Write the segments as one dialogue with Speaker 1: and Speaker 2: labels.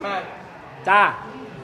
Speaker 1: จ้า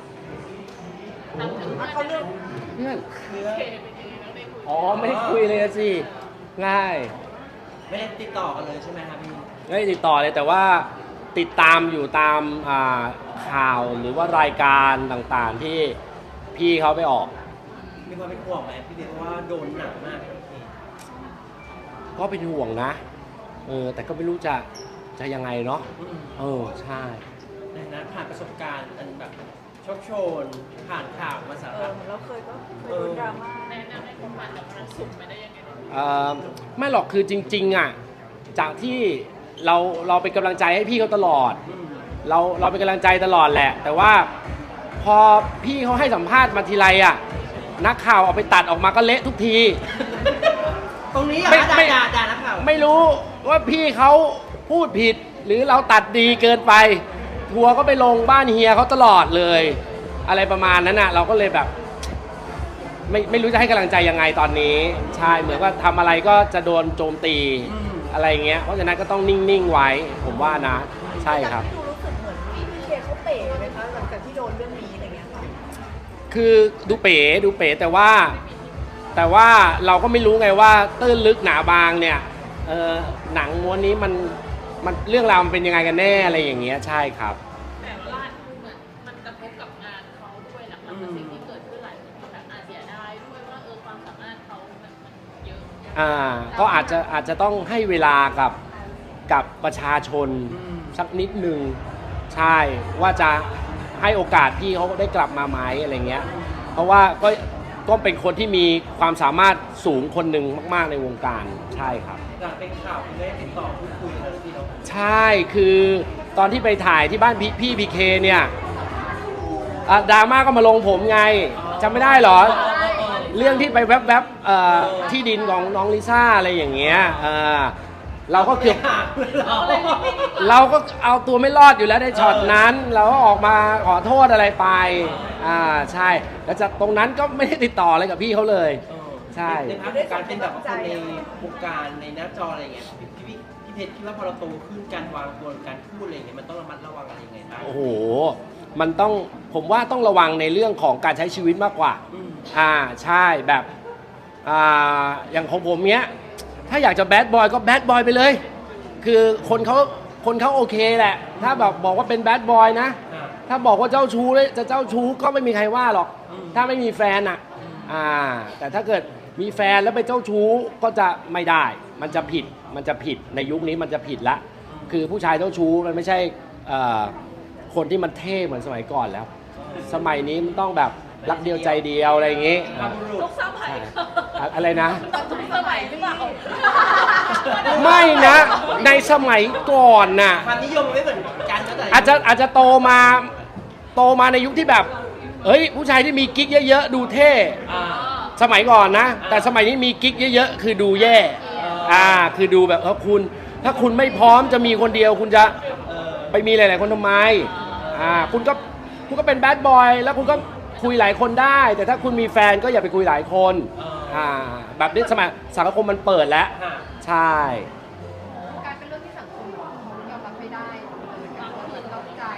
Speaker 2: เขาเลือก
Speaker 1: เพื่อนอ๋อไม่ได้คุยเลยสิง่าย
Speaker 3: ไม่ได้ติดต่อกันเลยใช่ไหมครับพี่
Speaker 1: ไม่ได้ติดต่อเลยแต่ว่าติดตามอยู่ตามข่าวหรือว่ารายการต่างๆที่พี่เขาไปออก
Speaker 3: มีความเป็นห่วงไหมพี่เดชว่าโดนหนักมากพี่
Speaker 1: ก็เป็นห่วงนะแต่ก็ไม่รู้จะยังไงเนาะใช่
Speaker 3: ในนั้นผ่านประสบการณ์อันแบบโชคโชนผ่านข่าวมาสารพัด
Speaker 2: แล้วเคยโดนดราม่า
Speaker 4: แนะนำให้คนผ่านจากความสุขไปได้ยังไง
Speaker 1: ไม่หรอกคือจริงๆอ่ะจากที่เราเป็นกำลังใจให้พี่เขาตลอดเราเป็นกำลังใจตลอดแหละแต่ว่าพอพี่เขาให้สัมภาษณ์มาทีไรอ่ะนักข่าวเอาไปตัดออกมาก็เละทุกที
Speaker 3: ตรงนี้ด่านักข่าว
Speaker 1: ไม่รู้ว่าพี่เขาพูดผิดหรือเราตัดดีเกินไปทัวร์ก็ไปลงบ้านเฮียเขาตลอดเลยอะไรประมาณนั้นน่ะเราก็เลยแบบไม่รู้จะให้กำลังใจยังไงตอนนี้ใช่เหมือนว่าทำอะไรก็จะโดนโจมตีอะไรเงี้ยเพราะฉะนั้นก็ต้องนิ่งๆไว้ผมว่านะใช่ครับ
Speaker 2: รู้สึกเหมือนพี่เคเขาเป๋ไหมคะหลังจากที่โดนเรื่องนี้อะไรเงี้ยค่ะ
Speaker 1: คือดูเป๋แต่ว่าเราก็ไม่รู้ไงว่าตื้นลึกหนาบางเนี่ยหนังม้วนนี้มันเรื่องราวมันเป็นยังไงกันแน่อะไรอย่างเงี้ยใช่ครับ
Speaker 4: แต่ว่าเหมือนมันกระทบกับงานเขาด้วยหลังจากสิ่งที่เกิดขึ้นหลายคนแบบเสียดายด้วยว่าความสามารถเขามันเยอะ
Speaker 1: ก็อาจจะต้องให้เวลากับประชาชนสักนิดนึงใช่ว่าจะให้โอกาสพี่เขาได้กลับมาไหมอะไรเงี้ยเพราะว่าก็เป็นคนที่มีความสามารถสูงคนหนึ่งมากๆในวงการใช่ครับ
Speaker 3: หลังเป็นข่าวคุณได้ติดต่อพูดคุยกันพี่น้อง
Speaker 1: ใช่คือตอนที่ไปถ่ายที่บ้านพี่พีเคเนี่ยดราม่าก็มาลงผมไงจำไม่ได้หรอเรื่องที่ไปแวบๆที่ดินของน้องลิซ่าอะไรอย่างเงี้ยเราก็เกือบเราก็เอาตัวไม่รอดอยู่แล้วในช็อตนั้นเราก็ออกมาขอโทษอะไรไปใช่แล้วจากตรงนั้นก็ไม่ได้ติดต่ออะไรกับพี่เขาเลยใช่
Speaker 3: ในภาพการเป็นแบบคนในวงการในหน้าจออะไรเงี้ยพี่เพชรคิดว่าพอเราโตขึ้นการวางตัวการพูดอะไรเงี้ยมันต้องระมัดระวังอะไรยังไงบ้าง
Speaker 1: โอ้โหมันต้องผมว่าต้องระวังในเรื่องของการใช้ชีวิตมากกว่าใช่แบบอย่างของผมเนี้ยถ้าอยากจะแบดบอยก็แบดบอยไปเลยคือคนเขาโอเคแหละถ้าแบบบอกว่าเป็นแบดบอยนะถ้าบอกว่าเจ้าชู้เลยจะเจ้าชู้ก็ไม่มีใครว่าหรอกถ้าไม่มีแฟนแต่ถ้าเกิดมีแฟนแล้วไปเจ้าชู้ก็จะไม่ได้มันจะผิดในยุคนี้มันจะผิดละคือผู้ชายเจ้าชู้มันไม่ใช่คนที่มันเท่เหมือนสมัยก่อนแล้วสมัยนี้มันต้องแบบรักเดียวใจเดียวอะไรอย่างงี้
Speaker 4: ทุกสมัย
Speaker 1: อะไรนะ
Speaker 4: ทุกสมัยหรือเปล่า
Speaker 1: ไม่นะในสมัยก่อนน่ะ
Speaker 3: ความนิยมไม่เหมือนกัน
Speaker 1: อาจจะโตมาในยุคที่แบบเฮ้ยผู้ชายที่มีกิ๊กเยอะๆดูเท่สมัยก่อนนะแต่สมัยนี้มีกิ๊กเยอะๆคือดูแย่คือดูแบบถ้าคุณไม่พร้อมจะมีคนเดียวคุณจะไปมีหลายๆคนทำไมคุณก็เป็นแบดบอยแล้วคุณก็คุยหลายคนได้แต่ถ้าคุณมีแฟนก็อย่าไปคุยหลายคนแบบนี้สมัยสังคมมันเปิดแล้วใช่
Speaker 2: การเป็นเรื่องที่สังคมยอมรับไม่ได้การเปิดรับใจ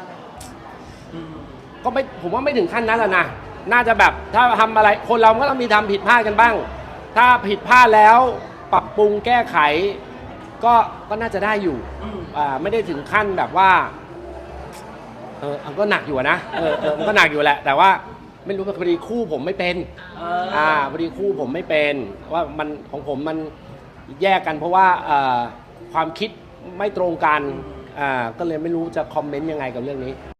Speaker 1: ก็ไม่ผมว่าไม่ถึงขั้นนั้นแหละนะน่าจะแบบถ้าทำอะไรคนเราก็ต้องมีทำผิดพลาดกันบ้างถ้าผิดพลาดแล้วปรับปรุงแก้ไขก็น่าจะได้อยู่ไม่ได้ถึงขั้นแบบว่าก็หนักอยู่นะมันก็หนักอยู่แหละแต่ว่าไม่รู้พอดีคู่ผมไม่เป็นพอดีคู่ผมไม่เป็นว่ามันของผมมันแยกกันเพราะว่าความคิดไม่ตรงกันก็เลยไม่รู้จะคอมเมนต์ยังไงกับเรื่องนี้